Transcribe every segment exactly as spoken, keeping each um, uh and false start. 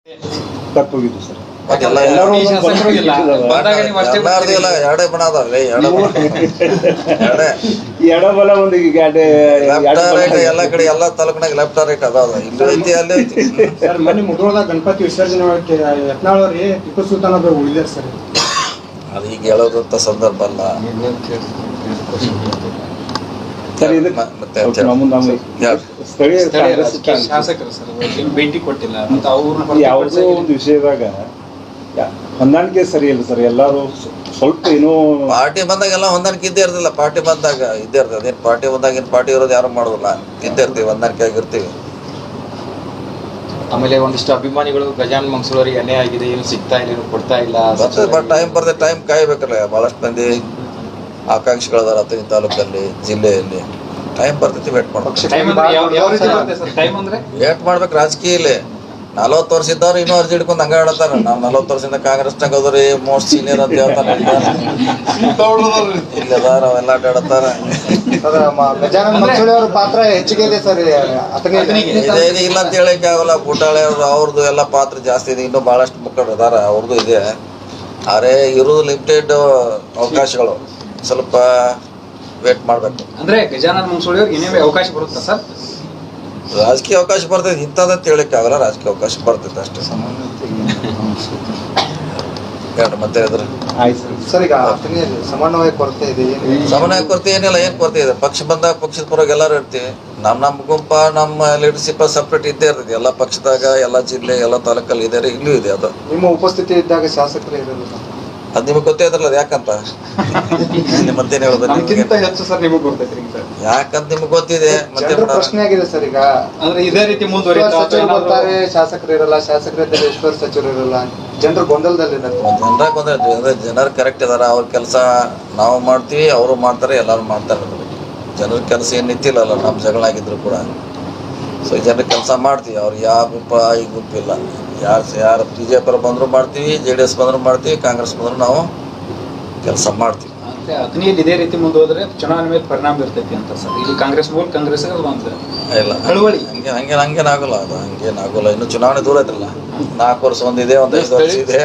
ತಪ್ಪೋಗಿದ್ದು sir. ಎಲ್ಲ ಎಲ್ಲರೂ ಎರಡೇ ಬಣ ಅದಾವೆ, ಎಡಬಲ ಒಂದು ಎಲ್ಲ ಕಡೆ ಎಲ್ಲ ತಾಲೂಕಿನಾಗ ಲೆಫ್ಟ್ ರೈಟ್ ಅದಾವ, ಇಲ್ಲಿ ಐತಿ ಅಲ್ಲಿ ಐತಿ. ಸರ್ ಮೊನ್ನೆ ಮುಧೋಳದಾಗ ಗಣಪತಿ ವಿಸರ್ಜನೆ ಮಾಡಕ್ಕೆ ಯತ್ನಾಳವ್ರಿ ಟಿಪ್ಪು ಸುಲ್ತಾನ್ ಒಬ್ಬರು ಉಳಿದಾರೆ ಸರ್. ಅದು ಈಗ ಹೇಳೋದಂತ ಸಂದರ್ಭ ಅಲ್ಲ. ಸ್ಥಳೀಯ ಶಾಸಕರು ಸರ್ ಭೇಟಿ ಕೊಟ್ಟಿಲ್ಲ ಅಂತ ಅವ್ರನ್ನ ಯಾವುದೋ ಒಂದು ವಿಷಯದಾಗ ಹೊಂದಾಣಿಕೆ ಸರಿ ಇಲ್ಲ ಸರ್. ಎಲ್ಲರೂ ಸ್ವಲ್ಪ ಏನೋ ಪಾರ್ಟಿ ಬಂದಾಗ ಎಲ್ಲ ಹೊಂದಾಣಿಕೆ ಇದ್ದೇ ಇರ್ತಿಲ್ಲ. ಪಾರ್ಟಿ ಬಂದಾಗ ಇದ್ದೇ ಇರ್ತದೆ. ಅದೇನು ಪಾರ್ಟಿ ಬಂದಾಗ ಏನು ಪಾರ್ಟಿ ಇರೋದು ಯಾರು ಮಾಡೋದಿಲ್ಲ, ಇದ್ದೇ ಇರ್ತೀವಿ, ಹೊಂದಾಣಿಕೆ ಆಗಿರ್ತೀವಿ. ಆಮೇಲೆ ಒಂದಿಷ್ಟು ಅಭಿಮಾನಿಗಳು ಗಜಾನನ ಮಂಗಸೂರಿಗೆ ಅನ್ಯಾಯ ಆಗಿದೆ, ಏನು ಸಿಗ್ತಾ ಇಲ್ಲ, ಏನು ಕೊಡ್ತಾ ಇಲ್ಲ. ಬಟ್ ಟೈಮ್ ಬರ್ತದೆ, ಟೈಮ್ ಕಾಯ್ಬೇಕಲ್ಲ. ಭಾಳಷ್ಟು ಮಂದಿ ಆಕಾಂಕ್ಷಿಗಳದಾರ ಈ ತಾಲೂಕಲ್ಲಿ, ಜಿಲ್ಲೆಯಲ್ಲಿ. ಟೈಮ್ ಬರ್ತೈತಿ, ವೇಟ್ ಮಾಡ್ಬೇಕು. ವೇಟ್ ಮಾಡ್ಬೇಕು. ರಾಜಕೀಯ ಇಲ್ಲಿ ನಲ್ವತ್ತು ವರ್ಷ ಇದ್ದವ್ರು ಇನ್ನೂ ಅರ್ಜಿ ಹಿಡ್ಕೊಂಡು ಹಂಗ ಹೇಳ್ತಾರ. ನಾವು ನಲ್ವತ್ತು ವರ್ಷದಿಂದ ಕಾಂಗ್ರೆಸ್ನಾಗ ಹೋದ್ರಿ ಮೋಸ್ಟ್ ಸೀನಿಯರ್ ಅಂತ ಹೇಳ್ತಾರ. ಇಲ್ಲಿ ಅದಾರ ಅವೆಲ್ಲ ಅಡ್ಡಾಡತ್ತಾರ. ಪಾತ್ರ ಹೆಚ್ಚಿಗೆ ಇದೆ ಸರ್. ಇದೇನು ಇಲ್ಲ ಅಂತ ಹೇಳಕ್ಕೆ ಆಗಲ್ಲ. ಬುಟಾಳೆ ಅವ್ರು ಅವ್ರದ್ದು ಎಲ್ಲ ಪಾತ್ರ ಜಾಸ್ತಿ ಇದೆ. ಇನ್ನೂ ಭಾಳಷ್ಟು ಮುಖಂಡರು ಅದಾರ, ಅವ್ರದ್ದು ಇದೆ. ಆದರೆ ಇರೋದು ಲಿಮಿಟೆಡ್ ಅವಕಾಶಗಳು, ಸ್ವಲ್ಪ ವೇಟ್ ಮಾಡ್ಬೇಕು. ಅಂದ್ರೆ ಗಜಾನನ ಮಂಗಸೂಳಿ ಅವ್ರಿಗೆ ಏನೇ ಅವಕಾಶ ಬರುತ್ತಾ ಸರ್? ರಾಜಕೀಯ ಅವಕಾಶ ಬರ್ತೈತೆ, ಇಂಥದ್ದಂತ ಹೇಳಕ್ಕೆ ಆಗಲ್ಲ. ರಾಜಕೀಯ ಅವಕಾಶ ಬರ್ತೈತೆ ಅಷ್ಟೇ. ಹೇಳ್ರಿ ಮತ್ತೆ ಇದ್ರೆ ಸರ್ ಈಗ ಸಮನ್ವಯ ಕೊರತೆ ಇದೆ. ಸಮನ್ವಯ ಕೊರತೆ ಏನಿಲ್ಲ. ಏನ್ ಕೊರತೆ ಇದೆ? ಪಕ್ಷ ಬಂದಾಗ ಪಕ್ಷದ ಪರವಾಗಿ ಎಲ್ಲರೂ ಇರ್ತೀವಿ. ನಮ್ಮ ನಮ್ಮ ಗುಂಪ ನಮ್ಮ ಲೀಡರ್ಶಿಪ್ ಸಪ್ರೇಟ್ ಇದ್ದೇ ಇರ್ತೈತಿ. ಎಲ್ಲ ಪಕ್ಷದಾಗ, ಎಲ್ಲ ಜಿಲ್ಲೆ, ಎಲ್ಲ ತಾಲೂಕಲ್ಲಿ ಇದೆ, ಇಲ್ಲೂ ಇದೆ. ಅದು ನಿಮ್ಮ ಉಪಸ್ಥಿತಿ ಇದ್ದಾಗ ಶಾಸಕರು ಇರಲ್ಲ. ಅದು ನಿಮಗೆ ಗೊತ್ತೇ ಇದ್ರಲ್ಲ, ಅದು ಯಾಕಂತ ಮತ್ತೇನು ಹೇಳೋದು? ಹೆಚ್ಚು ಸರ್ ನಿಮಗೆ ಗೊತ್ತೈತ್ರಿ ಯಾಕಂತ ನಿಮ್ಗೆ ಗೊತ್ತಿದೆ. ಮತ್ತೆ ಪ್ರಶ್ನೆ ಆಗಿದೆ ಸರ್. ಈಗ ಅಂದ್ರೆ ಇದೇ ರೀತಿ ಮುಂದುವರಿತಾರೆ, ಶಾಸಕರು ಇರಲ್ಲ, ಶಾಸಕರಿದ್ದರೆ ಎಷ್ಟು ಸಚಿವರು ಇರಲ್ಲ, ಜನರು ಗೊಂದಲದಲ್ಲಿದ್ದಾರೆ. ಜನರ ಗೊಂದಲ. ಜನರು ಕರೆಕ್ಟ್ ಇದಾರ. ಅವ್ರ ಕೆಲಸ ನಾವು ಮಾಡ್ತೀವಿ, ಅವರು ಮಾಡ್ತಾರೆ, ಎಲ್ಲರೂ ಮಾಡ್ತಾರೆ. ಜನರ ಕೆಲಸ ಏನು ನಿಂತಿಲ್ಲಲ್ಲ, ನಮ್ಮ ಜಗಳ ಆಗಿದ್ರು ಕೂಡ. ಸೊ ಜನರ ಕೆಲಸ ಮಾಡ್ತೀವಿ. ಅವ್ರು ಯಾವ ಗುಂಪ ಈ ಗುಂಪಿಲ್ಲ. ಯಾರು ಯಾರು ಬಿ ಜೆ ಪಿ ಬಂದರೂ ಮಾಡ್ತೀವಿ, ಜೆ ಡಿ ಎಸ್ ಬಂದರೂ ಮಾಡ್ತೀವಿ, ಕಾಂಗ್ರೆಸ್ ಬಂದರೂ ನಾವು ಕೆಲಸ ಮಾಡ್ತೀವಿ. ಅಂದ್ರೆ ಅಗ್ನಿಯಲ್ಲಿ ಇದೇ ರೀತಿ ಮುಂದುವರೆದ್ರೆ ಚುನಾವಣೆ ಮೇಲೆ ಪರಿಣಾಮ ಇರ್ತೈತಿ ಅಂತ ಸರ್. ಇಲ್ಲಿ ಕಾಂಗ್ರೆಸ್ ಮೂಲ ಕಾಂಗ್ರೆಸ್ ಇಲ್ಲ ಚಳವಳಿ ಹಂಗೆ ಹಂಗೇನು ಹಂಗೇನಾಗಲ್ಲ. ಅದು ಹಂಗೇನಾಗಲ್ಲ. ಇನ್ನು ಚುನಾವಣೆ ದೂರ ಐತ್ರಲ್ಲ. ನಾಲ್ಕು ವರ್ಷ ಒಂದಿದೆ, ಒಂದು ಐದು ವರ್ಷ ಇದೆ.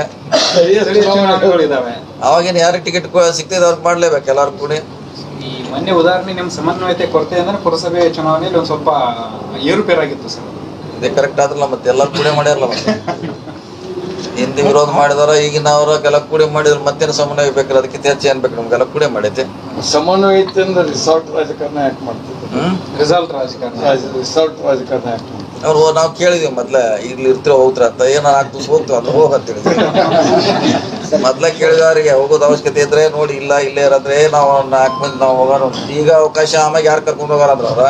ಅವಾಗೇನು ಯಾರಿಗೆ ಟಿಕೆಟ್ ಸಿಗ್ತದೆ ಅವ್ರಿಗೆ ಮಾಡ್ಲೇಬೇಕು, ಎಲ್ಲರೂ ಕೂಡಿ. ಈ ಮೊನ್ನೆ ಉದಾಹರಣೆ ನಿಮ್ಮ ಸಮನ್ವಯತೆ ಕೊರತೆ ಅಂದ್ರೆ ಪುರಸಭೆ ಚುನಾವಣೆಯಲ್ಲಿ ಒಂದು ಸ್ವಲ್ಪ ಏರುಪೇರಾಗಿತ್ತು ಸರ್. ಇದೇ ಕರೆಕ್ಟ್ ಆದ್ರಲ್ಲ, ಮತ್ತೆ ಎಲ್ಲರೂ ಕೂಡಿ ಮಾಡ್ಯಾರಲ್ಲ. ಮತ್ತೆ ಹಿಂದೆ ವಿರೋಧ ಮಾಡಿದಾರ, ಈಗಿನವ್ರ ಎಲ್ಲ ಕೂಡಿ ಮಾಡಿದ್ರು. ಮತ್ತೇನು ಸಮನ್ವಯ ಬೇಕಾದ್ರೆ ಅದಕ್ಕೆ ಹೆಚ್ಚು ಏನ್ ಬೇಕು? ನಮ್ಗೆಲ್ಲ ಕೂಡಿ ಮಾಡೈತೆ. ಸಮನ್ವಯ ರಿಸಾರ್ಟ್ ರಾಜಕಾರಣ ಯಾಕೆ ಮಾಡ್ತಿದ್ರು? ರಿಸಾರ್ಟ್ ರಾಜಕಾರಣ ರಿಸಾರ್ಟ್ ರಾಜಕಾರಣ ಯಾಕೆ ಮಾಡ್ತಿದ್ರು? ಅವ್ರು ನಾವು ಕೇಳಿದ್ವಿ ಮೊದ್ಲ, ಇಲ್ಲಿ ಇರ್ತೀರ ಹೋಗ್ತಾರ ಅಂತ. ಏನೋ ನಾಲ್ಕು ದಿವಸ ಹೋಗ್ತೀವಿ ಅಂತ ಹೋಗಂತ ಹೇಳಿದ್ವಿ. ಮೊದ್ಲ ಕೇಳಿದವ್ರಿಗೆ ಹೋಗೋದು ಅವಶ್ಯಕತೆ ಇದ್ರೆ ನೋಡಿ, ಇಲ್ಲ ಇಲ್ಲೇ ಇರೋದ್ರೆ ನಾವು ನಾಲ್ಕು ಮಂದಿ ನಾವು ಹೋಗೋಣ. ಈಗ ಅವಕಾಶ ಆಮ್ಯಾಗ ಯಾರು ಕರ್ಕೊಂಡು ಹೋಗಾರಂದ್ರ ಅವ್ರ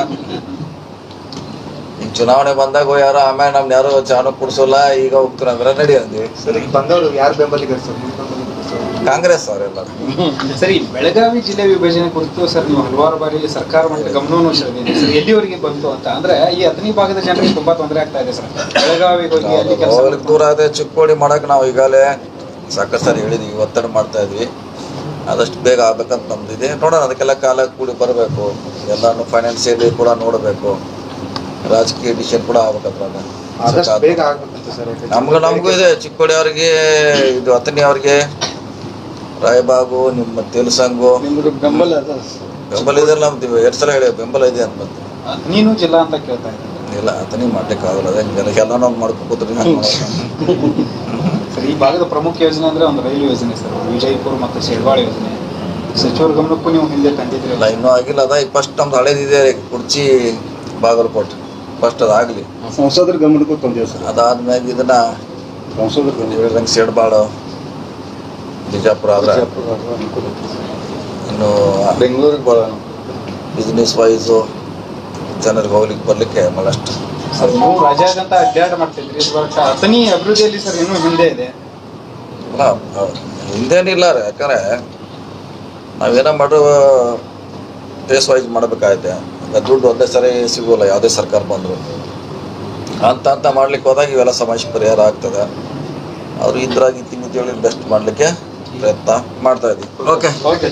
ಈಗ ಚುನಾವಣೆ ಬಂದಾಗ ಯಾರು ಆಮೇಲೆ ನಮ್ನ ಯಾರು ಚಾನು ಕುಡ್ಸೋಲ್ಲ, ಈಗ ಹೋಗ್ತಾರ ಅಂದ್ರೆ ನಡಿ ಅಂದ್ವಿ. ಸರಿ, ಬಂದವರು ಯಾರು ಬೆಂಬಲಿಗರು ಸರ್? ಕಾಂಗ್ರೆಸ್ ಅವರೆಲ್ಲ. ಸರಿ, ಬೆಳಗಾವಿ ಜಿಲ್ಲೆ ವಿಭಜನೆ ಕುರಿತು ಸರ್ ನೀವು ಹಲವಾರು ಬಾರಿ ಸರ್ಕಾರ ಮಟ್ಟದ ಗಮನವನ್ನು ಸೆಳೆದಿದೆ ಸರ್. ಎಲ್ಲಿವರೆಗೆ ಬಂತು ಅಂತ ಅಂದ್ರೆ ಈ ಹತ್ತನೇ ಭಾಗದ ಜನರಿಗೆ ತುಂಬಾ ತೊಂದರೆ ಆಗ್ತಾ ಇದೆ ಸರ್. ಬೆಳಗಾವಿಗೆ ಹೋಗಿ ಅಲ್ಲಿ ಕೆಲಸ ದೂರ ಅದೇ ಚಿಕ್ಕೋಡಿ ಮಾಡಕ್ ನಾವು ಈಗಾಗಲೇ ಸಾಕಷ್ಟು ಸಾರಿ ಹೇಳಿದ್ವಿ, ಒತ್ತಡ ಮಾಡ್ತಾ ಇದ್ವಿ. ಆದಷ್ಟು ಬೇಗ ಆಗ್ಬೇಕಂತ ನಮ್ದಿದೆ. ನೋಡೋಣ, ಅದಕ್ಕೆಲ್ಲ ಕಾಲ ಕೂಡಿ ಬರಬೇಕು. ಎಲ್ಲಾನು ಫೈನಾನ್ಸಿಯಲಿ ಕೂಡ ನೋಡಬೇಕು, ರಾಜಕೀಯ ಡಿಸಿಷನ್ ಕೂಡ ಆಗ್ಬೇಕಂತ. ನಮ್ಗೆ ನಮಗೂ ಇದೆ. ಚಿಕ್ಕೋಡಿ ಅವ್ರಿಗೆ, ಇದು ಹತ್ತನೇ ಅವ್ರಿಗೆ, ರಾಯಬಾಗು, ನಿಮ್ಮ ತೆಲುಸಂಗು ಬೆಂಬಲ ಬೆಂಬಲ ಇದೆ. ನಮ್ದು ಎರಡು ಸಲ ಹೇಳಿ ಬೆಂಬಲ ಇದೆ ಅಂತ ಬಂತು. ನೀನು ಜಿಲ್ಲಾ ಅಂತ ಕೇಳ್ತಾ ಇದ್ದೀನಿ. ಇಲ್ಲ, ಅದನ್ನೇ ಮಾಡ್ಲಿಕ್ಕೆ ಆಗಲ್ಲ. ಅದೇ ಎಲ್ಲ ನಾವು ಮಾಡ್ಕೊತೀರಿ. ಸರ್, ಈ ಭಾಗದ ಪ್ರಮುಖ ಯೋಜನೆ ಅಂದ್ರೆ ಒಂದು ರೈಲು ಯೋಜನೆ ಸರ್, ವಿಜಯಪುರ ಮತ್ತು ಶೆಡ್ವಾಳ ಯೋಜನೆ. ಸಚಿವರ ಗಮನಕ್ಕೂ ನೀವು ಹಿಂದೆ ತಂದಿದ್ರಿ. ಇಲ್ಲ, ಇನ್ನೂ ಆಗಿಲ್ಲ. ಅದ ಈಗ ಫಸ್ಟ್ ನಮ್ದು ಹಳೇದಿದೆ, ಕುರ್ಚಿ ಬಾಗಲಕೋಟೆ. ಫಸ್ಟ್ ಅದಾಗಲಿ, ಸಂಸದರ ಗಮನಕ್ಕೂ ತಂದೇವೆ ಸರ್. ಅದಾದ್ಮೇಲೆ ಇದನ್ನ ಸಂಸದರ ಶೆಡ್ಬಾಳ, ಬಿಜಾಪುರ ಆದ್ರೆ ಇನ್ನು ಬೆಂಗಳೂರಿಗೆ ಬರೋಣ. ಬಿಸ್ನೆಸ್ ವೈಸು ಜನರಿಗೆ ಹೋಗ್ಲಿಕ್ಕೆ ಬರ್ಲಿಕ್ಕೆ ಭಾಳಷ್ಟು. ಸರ್, ನೀವು ರಾಜ್ಯಾದ್ಯಂತ ಅಡ್ಡಾಡ ಮಾಡ್ತಿದ್ರಿ. ಅಥಣಿ ಅಭಿವೃದ್ಧಿಯಲ್ಲಿ ಸರ್ ಇನ್ನೂ ಹಿಂದೆ ಇದೆ. ಅಲ್ಲ, ಹಿಂದೇನಿಲ್ಲ ರೀ. ಯಾಕಂದ್ರೆ ನಾವೇನೋ ಮಾಡೋ ಫೇಸ್ ವೈಸ್ ಮಾಡಬೇಕಾಗತ್ತೆ. ದುಡ್ಡು ಒಂದೇ ಸರಿ ಸಿಗೋಲ್ಲ ಯಾವುದೇ ಸರ್ಕಾರ ಬಂದರು. ಅಂತ ಅಂತ ಮಾಡ್ಲಿಕ್ಕೆ ಹೋದಾಗ ಇವೆಲ್ಲ ಸಮಸ್ಯೆ ಪರಿಹಾರ ಆಗ್ತದೆ. ಅವರು ಇದ್ರಾಗಿ ತಿಂಗಿ ತಿಳಿ ಬೆಸ್ಟ್ ಮಾಡಲಿಕ್ಕೆ ಪ್ರಯತ್ನ ಮಾಡ್ತಾ ಇದ್ದೀವಿ. ಓಕೆ.